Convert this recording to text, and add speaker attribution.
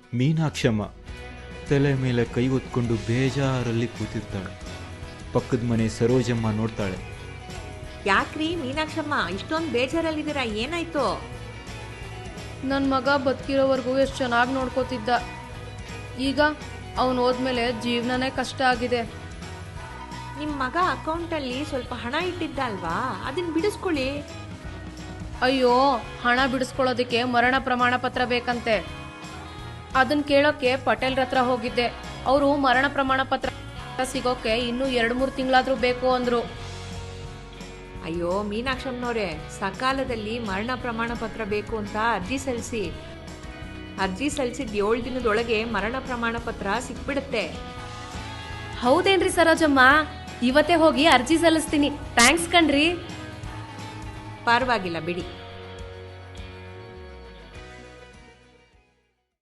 Speaker 1: ಮೀನಾಕ್ಷಮ್ಮ ತಲೆ ಮೇಲೆ ಕೈ ಹೊತ್ಕೊಂಡು ಬೇಜಾರಲ್ಲಿ ಕೂತಿರ್ತಾಳೆ. ಪಕ್ಕದ ಮನೆ ಸರೋಜಮ್ಮ ನೋಡ್ತಾಳೆ.
Speaker 2: ಯಾಕ್ರಿ ಮೀನಾಕ್ಷಮ್ಮ ಇಷ್ಟೊಂದು ಬೇಜಾರಲ್ಲಿದ್ದೀರಾ, ಏನಾಯ್ತು?
Speaker 3: ನನ್ನ ಮಗ ಬದುಕಿರೋವರೆಗೂ ಎಷ್ಟು ಚೆನ್ನಾಗಿ ನೋಡ್ಕೋತಿದ್ದ. ಈಗ ಅವನು ಹೋದ್ಮೇಲೆ ಜೀವನನೇ ಕಷ್ಟ ಆಗಿದೆ.
Speaker 2: ನಿಮ್ಮ ಮಗ ಅಕೌಂಟಲ್ಲಿ ಸ್ವಲ್ಪ ಹಣ ಇಟ್ಟಿದ್ದ ಅಲ್ವಾ, ಅದನ್ನ ಬಿಡಿಸ್ಕೊಳ್ಳಿ.
Speaker 3: ಅಯ್ಯೋ, ಹಣ ಬಿಡಿಸ್ಕೊಳ್ಳೋದಕ್ಕೆ ಮರಣ ಪ್ರಮಾಣ ಪತ್ರ ಬೇಕಂತೆ. ಅದನ್ನ ಕೇಳೋಕೆ ಪಟೇಲ್ರ ಹತ್ರ ಹೋಗಿದ್ದೆ. ಅವರು ಮರಣ ಪ್ರಮಾಣ ಪತ್ರ ಸಿಗೋಕೆ ಇನ್ನೂ 2-3 ತಿಂಗಳಾದ್ರೂ ಬೇಕು ಅಂದ್ರು.
Speaker 2: ಅಯ್ಯೋ ಮೀನಾಕ್ಷಮ್ಮನವ್ರೆ, ಸಕಾಲದಲ್ಲಿ ಮರಣ ಪ್ರಮಾಣ ಪತ್ರ ಬೇಕು ಅಂತ ಅರ್ಜಿ ಸಲ್ಲಿಸಿದ 7 ದಿನದೊಳಗೆ ಮರಣ ಪ್ರಮಾಣ ಪತ್ರ ಸಿಕ್ಬಿಡುತ್ತೆ.
Speaker 3: ಹೌದೇನ್ರಿ ಸರೋಜಮ್ಮ? ಇವತ್ತೇ ಹೋಗಿ ಅರ್ಜಿ ಸಲ್ಲಿಸ್ತೀನಿ. ಥ್ಯಾಂಕ್ಸ್ ಕಣ್ರಿ.
Speaker 2: ಪರವಾಗಿಲ್ಲ ಬಿಡಿ.